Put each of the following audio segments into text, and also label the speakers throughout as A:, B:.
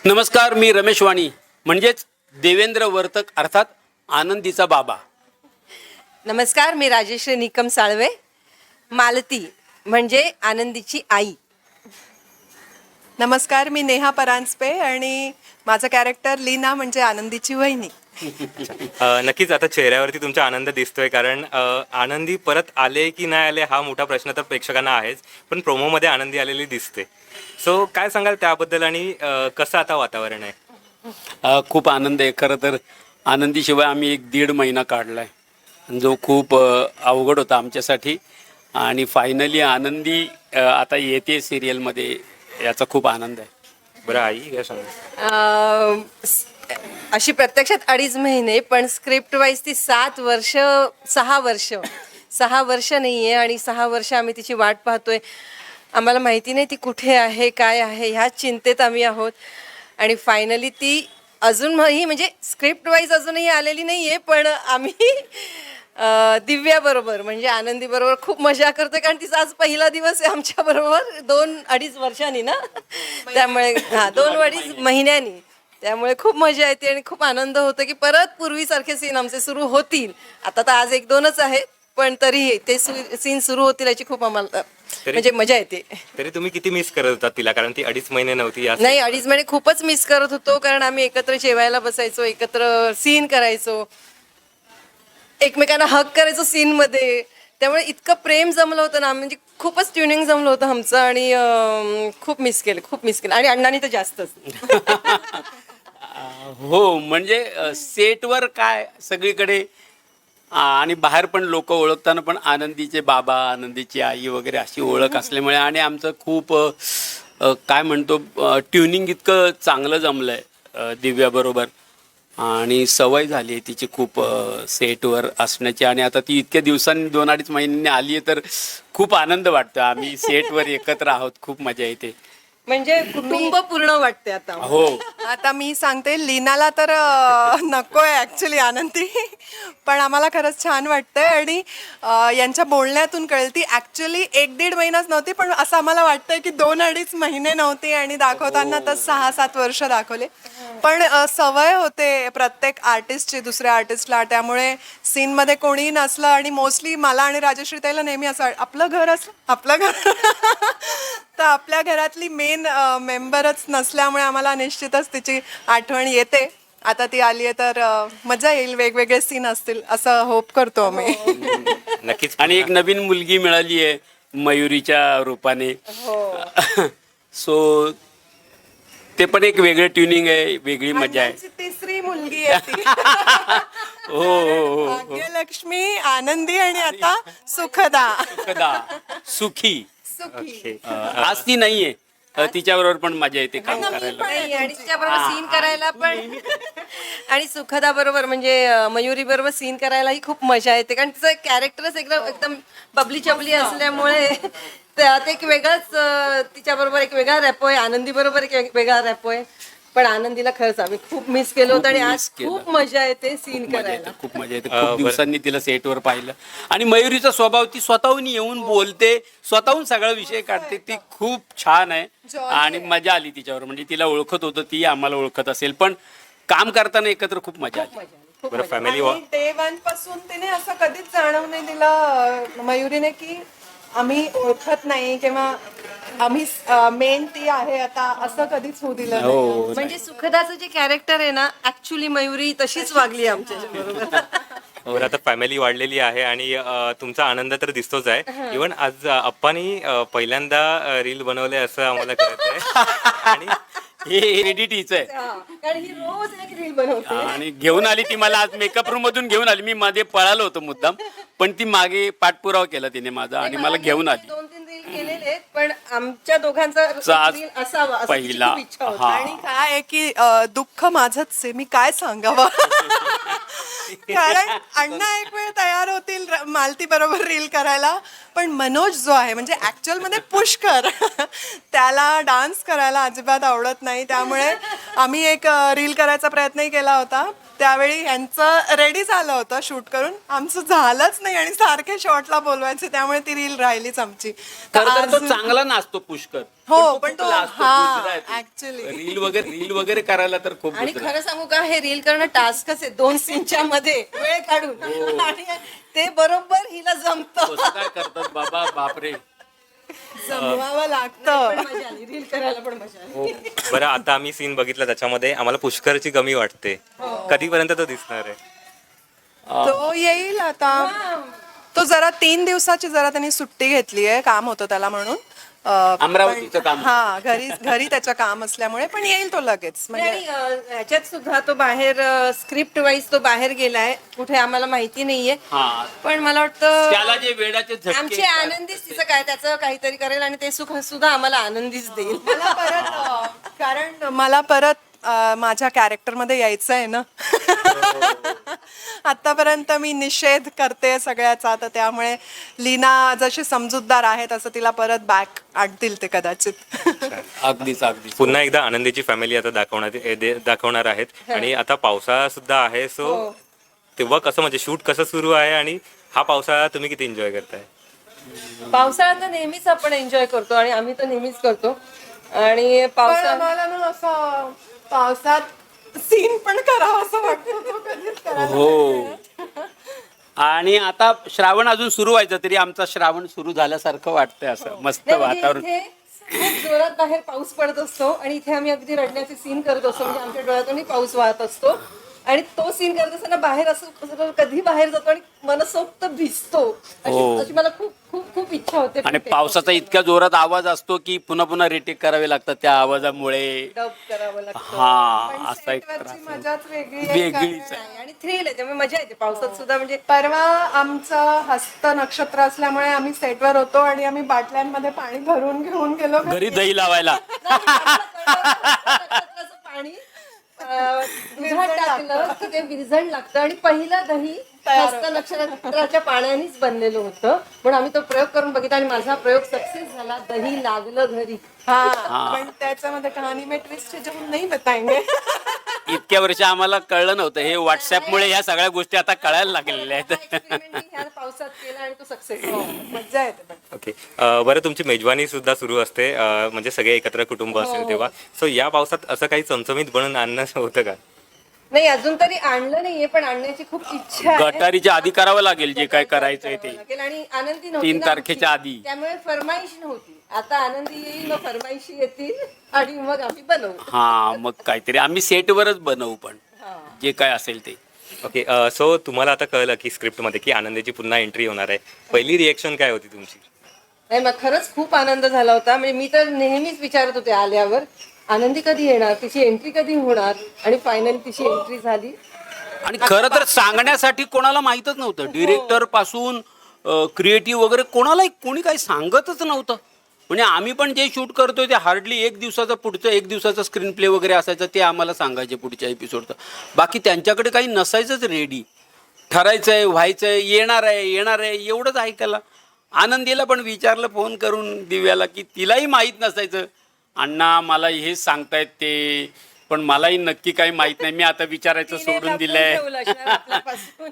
A: नमस्कार, मी रमेश वाणी म्हणजेच देवेंद्र वर्तक अर्थात आनंदीचा बाबा.
B: नमस्कार, मी राजेश्री निकम साळवे, मालती म्हणजे आनंदीची आई.
C: नमस्कार, मी नेहा परांजपे आणि माझं कॅरेक्टर लीना म्हणजे आनंदीची वहिनी.
D: नक्कीच आता चेहऱ्यावरती तुमचा आनंद दिसतोय, कारण आनंदी परत आले की नाही आले हा मोठा प्रश्न तर प्रेक्षकांना आहेच, पण प्रोमोमध्ये आनंदी आलेली दिसते. सो काय सांगाल त्याबद्दल आणि कसं आता वातावरण आहे?
A: खूप आनंद आहे. खरं तर आनंदीशिवाय आम्ही 1-1.5 महिना काढला आहे, जो खूप अवघड होता आमच्यासाठी. आणि फायनली आनंदी आता येते सिरियलमध्ये, याचा खूप आनंद आहे.
D: बरं आई, काय सांगा?
B: अशी प्रत्यक्षात 2.5 महिने, पण स्क्रिप्ट वाईज ती 7 वर्ष 6 वर्ष 6 वर्ष नाही आहे. आणि 6 वर्ष आम्ही तिची वाट पाहतोय. आम्हाला माहिती नाही ती कुठे आहे, काय आहे, ह्या चिंतेत आम्ही आहोत. आणि फायनली ती अजूनही म्हणजे स्क्रिप्ट वाईज अजूनही आलेली नाही आहे, पण आम्ही दिव्याबरोबर म्हणजे आनंदीबरोबर खूप मजा करतोय, कारण तिचा आज पहिला दिवस आहे आमच्याबरोबर 2-2.5 वर्षांनी ना, त्यामुळे 2-2.5 महिन्यांनी. त्यामुळे खूप मजा येते आणि खूप आनंद होतो की परत पूर्वीसारखे सीन आमचे सुरू होतील. आता तर आज 1-2च आहेत, पण तरीही ते सीन सुरू होतील याची खूप आम्हाला म्हणजे मजा येते.
D: तरी तुम्ही किती मिस करत होता तिला, कारण ती 2.5 महिने नव्हती
B: नाही, 2.5 महिने खूपच मिस करत होतो, कारण आम्ही एकत्र जेवायला बसायचो, एकत्र सीन करायचो, एकमेकांना हक करायचो सीन मध्ये. त्यामुळे इतकं प्रेम जमलं होतं ना, म्हणजे खूपच ट्युनिंग जमलं होतं आमचं. आणि खूप मिस केलं आणि अण्णांनी तर जास्तच.
A: हो, म्हणजे सेटवर काय सगळीकडे आणि बाहेर पण लोक ओळखताना पण आनंदीचे बाबा, आनंदीची आई वगैरे अशी ओळख असल्यामुळे आणि आमचं खूप काय म्हणतो ट्युनिंग इतकं चांगलं जमलं आहे दिव्याबरोबर. आणि सवय झाली आहे तिची खूप सेटवर असण्याची. आणि आता ती इतक्या दिवसांनी 2-2.5 महिन्यांनी आली आहे, तर खूप आनंद वाटतो. आम्ही सेटवर एकत्र आहोत, खूप मजा येते.
B: म्हणजे कुटुंब पूर्ण वाटते आता.
A: हो,
C: आता मी सांगते, लीनाला तर नको आहे ॲक्च्युली आनंदी, पण आम्हाला खरंच छान वाटतंय. आणि यांच्या बोलण्यातून कळती ॲक्च्युली 1-1.5 महिनाच नव्हती, पण असं आम्हाला वाटतंय की 2-2.5 महिने नव्हती आणि दाखवताना तर 6-7 वर्ष दाखवले. पण सवय होते प्रत्येक आर्टिस्टची दुसऱ्या आर्टिस्टला, त्यामुळे सीनमध्ये कोणीही नसलं आणि मोस्टली मला आणि राजश्री ताईला नेहमी असं आपलं घर असलं आपलं घर तर आपल्या घरातली मेन मेंबरच नसल्यामुळे आम्हाला निश्चितच तिची आठवण येते. आता ती आली आहे तर मजा येईल, वेगवेगळे सीन असतील असं होप करतो आम्ही.
D: नक्कीच.
A: आणि एक नवीन मुलगी मिळाली आहे मयुरीच्या रूपाने. सो ते पण एक वेगळं ट्युनिंग आहे, वेगळी मजा आहे.
C: अण्णांची तिसरी मुलगी आहे ती.
A: हो हो हो.
C: भाग्यलक्ष्मी, आनंदी आणि आता सुखदा.
A: कदा सुखी.
C: सुखी.
A: आज ती नाहीये, तिच्याबरोबर पण मजा येते काम करायला.
B: नाही, आणि तिच्याबरोबर सीन करायला पण आणि सुखदा बरोबर म्हणजे मयुरी बरोबर सीन करायलाही खूप मजा येते, कारण तिचं कॅरेक्टरच एकदम बबली चबली असल्यामुळे त्यात एक वेगळाच तिच्याबरोबर एक वेगळा रॅपो आहे, आनंदी बरोबर एक वेगळा रॅपो आहे. पण आनंदीला खरंच आम्ही खूप मिस केलं होतं आणि आज खूप मजा येते सीन करायला.
A: खूप मजा येते. खूप दिवसांनी तिला सेटवर पाहिलं. आणि मयुरीचा स्वभाव, ती स्वतःहून येऊन बोलते, स्वतःहून सगळा विषय काढते, ती खूप छान आहे. आणि मजा आली तिच्यावर. म्हणजे तिला ओळखत होतं, ती आम्हाला ओळखत असेल, पण काम करताना एकत्र खूप मजा आली.
D: बरं, फॅमिली
C: आणि डे 1 पासून तिने असं कधीच जाणवू नाही दिलं मयुरीने की आम्ही ओळखत नाही किंवा आम्ही मेन ती आहे आता, असं कधीच होऊ दिलं नाही.
A: हो,
B: म्हणजे सुखदाचं जे कॅरेक्टर आहे ना, ऍक्च्युली मयुरी तशीच वागली आमच्या बरोबर.
D: बरं, आता फॅमिली वाढलेली आहे आणि तुमचा आनंद तर दिसतोच आहे. इव्हन आज अप्पानी पहिल्यांदा रील बनवले असं आम्हाला कळतंय. आणि
A: हे एडिट आहे.
B: कारण ही रोज एक रील बनवते.
A: आणि घेऊन आली ती मला आज मेकअप रूम मधून घेऊन आली. मी मध्ये पळालो होतो मुद्दाम, पण ती मागे पाठपुरावा केला तिने माझा आणि मला घेऊन आली.
B: 2-3 रील केलेले आहेत, पण आमच्या दोघांचा
A: आज
B: रील असावा असं तिची
A: पहिला.
B: खूप इच्छा होती.
A: हा.
C: आणि काय आहे की दुःख माझंच आहे, मी काय सांगावं. कारण अण्णा एक वेळ तयार होतील मालती बरोबर रील करायला, पण मनोज जो आहे म्हणजे ऍक्च्युअल मध्ये पुष्कर त्याला डान्स करायला अजिबात आवडत नाही. त्यामुळे आम्ही एक रील करायचा प्रयत्नही केला होता, त्यावेळी यांचं रेडी झालं होतं शूट करून, आमचं झालंच नाही आणि सारखे शॉटला बोलवायचे, त्यामुळे ती रील राहिलीच आमची.
A: खरं तर तो चांगला नाचतो पुष्कर.
C: हो, पण तो ऍक्च्युली
A: रील वगैरे करायला तर खूप
B: आणि
A: गुजरा.
B: खरं सांगू का, हे रील करणं टास्कच आहे 2 सीनच्या मध्ये वेळ काढून, आणि ते बरोबर हिला जमतं.
A: कसं काय करतात बाबा, बापरे.
C: जमवावं लागतं.
B: मजा आली रील करायला, पण मजा आली.
D: बरं, आता आम्ही सीन बघितला त्याच्यामध्ये आम्हाला पुष्करची कमी वाटते. कधीपर्यंत तो दिसणार आहे?
C: तो येईल आता. तो जरा 3 दिवसाची जरा त्यांनी सुट्टी घेतली आहे, काम होतं त्याला म्हणून.
A: अमरावतीचं काम.
C: हा, घरी त्याचं काम असल्यामुळे, पण येईल तो लगेच. म्हणजे
B: आणि ह्याच्यात सुद्धा तो बाहेर स्क्रिप्ट वाईज तो बाहेर गेलाय कुठे आम्हाला माहिती नाहीये,
A: हा,
B: पण मला वाटतं
A: त्याला जे वेडाचे झटके
B: आमची आनंदीच तिचं काय त्याचं काहीतरी करेल आणि ते सुख सुद्धा आम्हाला आनंदीच देईल.
C: मला परत कारण मला परत माझ्या कॅरेक्टरमध्ये यायचं आहे ना. आतापर्यंत मी निषेध करते सगळ्याचा, तर त्यामुळे लीना जशी समजूतदार आहे तसं तिला परत बॅक आणतील ते कदाचित.
A: अगदीच अगदीच.
D: पुन्हा एकदा आनंदीची फॅमिली आता दाखवणार आहेत आणि आता पावसाळा सुद्धा आहे. सो तेव्हा कसं म्हणजे शूट कसं सुरू आहे आणि हा पावसाळा तुम्ही किती एन्जॉय करताय?
B: पावसाळ्यात तर नेहमीच आपण एन्जॉय करतो आणि आम्ही तर नेहमीच करतो. आणि पावसाळ्यात
C: मला ना असं पावसात सीन पण करावं असं वाटतं, तो कधीच करायला
A: हो. आणि आता श्रावण अजून सुरू व्हायचं तरी आमचा श्रावण सुरू झाल्यासारखं वाटतंय. असं मस्त
B: नाही, म्हणजे
A: वातावरण.
B: इथे खूप जोरात बाहेर पाऊस पडत असतो आणि इथे आम्ही अगदी रडण्याचे सीन करत असतो, म्हणजे आमच्या डोळ्यातूनही पाऊस वाहत असतो. आणि तो सीन करत असताना बाहेर असं कधी बाहेर जातो आणि मनसोक्त भिजतो, अशी मला खूप खूप खूप इच्छा होते.
A: आणि पावसाचा इतक्या जोरात आवाज असतो की पुन्हा पुन्हा रिटेक करावे लागतात त्या आवाजामुळे.
B: डब करावं लागतं.
A: हा, असा एक
C: सेटवरची
A: त्रास
C: मजाच वेगळी आहे.
A: वेगळीच आहे.
B: नाही, आणि थ्रिल आहे त्यामुळे मजा येते पावसात सुद्धा. म्हणजे
C: परवा आमचं हस्त नक्षत्र असल्यामुळे आम्ही सेटवर होतो आणि आम्ही बाटल्यांमध्ये पाणी भरून घेऊन गेलो.
A: घरी दही लावायला.
B: नक्षत्राचं पाणी दुधात टाकलं की ते विरजण लागतं आणि पहिलं दही हस्त नक्षत्राच्या पाण्यानेच बनलेलं होतं. म्हणून आम्ही तो प्रयोग करून बघितला आणि माझा प्रयोग सक्सेस झाला. दही लागलं घरी.
C: हा, पण त्याच्यामध्ये कहाणी में ट्विस्ट है जो हम नहीं बताएंगे.
A: इतक्या वर्ष आम्हाला कळलं नव्हतं. हे व्हॉट्सअपमुळे ह्या सगळ्या गोष्टी आता कळायला लागलेल्या आहेत.
B: एक्सपेरिमेंट मी ह्या पावसात केला आणि तो सक्सेस
C: मजा येते पण.
D: ओके, बरं, तुमची मेजवानी सुद्धा सुरू असते, म्हणजे सगळे एकत्र कुटुंब असेल तेव्हा. सो या पावसात असं काही चमचमीत बनवून आणणं होतं का?
B: नाही, अजून तरी आणलं नाहीये, पण आणण्याची खूप इच्छा आहे.
A: गटारीच्या आधी करावं लागेल जे काय करायचंय ते.
B: लागेल. आणि आनंदी नव्हती
A: 3
B: ना
A: तारखेच्या
B: आमची.
A: आधी.
B: त्यामुळे फरमाईश नव्हती. आता आनंदी येईल, मग फरमाईशी येतील आणि मग आम्ही बनवू.
A: हा, मग काहीतरी आम्ही सेटवरच बनवू, पण जे काय असेल ते.
D: ओके, सो तुम्हाला आता कळलं की स्क्रिप्टमध्ये की आनंदीची पुन्हा एंट्री होणार आहे. पहिली रिएक्शन काय होती तुमची?
B: नाही, मग खरंच खूप आनंद झाला होता. म्हणजे मी तर नेहमीच विचारत होते आल्यावर, आनंदी कधी येणार, तिची एंट्री कधी होणार, आणि फायनली तिची एंट्री झाली.
A: आणि खरं तर सांगण्यासाठी कोणाला माहीतच नव्हतं. डिरेक्टर पासून क्रिएटिव्ह वगैरे कोणी काही सांगतच नव्हतं. म्हणजे आम्ही पण जे शूट करतोय ते हार्डली 1 दिवसाचा स्क्रीन प्ले वगैरे असायचं, ते आम्हाला सांगायचे पुढच्या एपिसोडचं. बाकी त्यांच्याकडे काही नसायचंच रेडी. ठरायचंय, व्हायचंय, येणार आहे एवढंच ऐकायला. आनंदीला पण विचारलं फोन करून दिव्याला, की तिलाही माहीत नसायचं. अण्णा मला हे सांगतायत ते, पण मलाही नक्की काही माहित नाही. मी आता विचारायचं सोडून दिलंय.
B: ठेवलं असणार आपल्यापासून.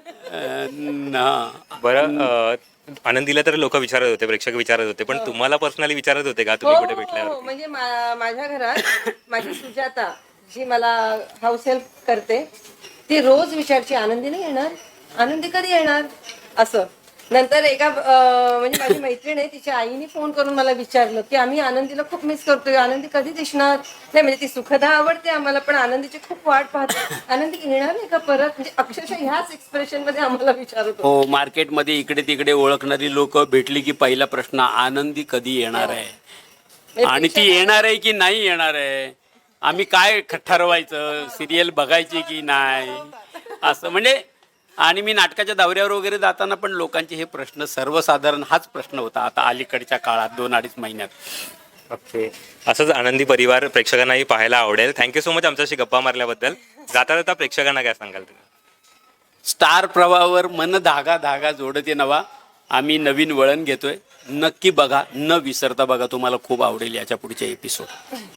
D: बरं, आनंदीला तर लोक विचारत होते, प्रेक्षक विचारत होते, पण तुम्हाला पर्सनली विचारत होते का तुम्ही कुठे भेटल्यावर?
B: हो, म्हणजे माझ्या घरात माझी सुजाता जी मला हाऊस हेल्प करते, ती रोज विचारची, आनंदी नाही येणार, आनंदी कधी येणार, असं. नंतर एका म्हणजे माझी मैत्रीण आहे, तिच्या आईने फोन करून मला विचारलं की आम्ही आनंदीला खूप मिस करतोय, आनंदी कधी दिसणार. नाही, म्हणजे ती सुखदा आवडते आम्हाला, पण आनंदीची खूप वाट पाहते. आनंदी येणार नाही का परत, म्हणजे अक्षरशः ह्याच एक्सप्रेशन मध्ये आम्हाला विचारत होते.
A: हो, मार्केटमध्ये इकडे तिकडे ओळखणारी लोक भेटली की पहिला प्रश्न, आनंदी कधी येणार आहे, आणि ती येणार आहे की नाही येणार आहे, आम्ही काय ठरवायचं, सिरियल बघायची की नाही, असं. म्हणजे आणि मी नाटकाच्या दौऱ्यावर वगैरे जाताना पण लोकांचे हे प्रश्न, सर्वसाधारण हाच प्रश्न होता आता अलीकडच्या काळात 2-2.5 महिन्यात.
D: ओके, असंच आनंदी परिवार प्रेक्षकांनाही पाहायला आवडेल. थँक्यू सो मच आमच्याशी गप्पा मारल्याबद्दल. जाता जाता प्रेक्षकांना काय सांगाल तुम्ही?
A: स्टार प्रवाहावर मन धागा धागा जोडते नवा. आम्ही नवीन वळण घेतोय. नक्की बघा, न विसरता बघा. तुम्हाला खूप आवडेल याच्या पुढचे एपिसोड.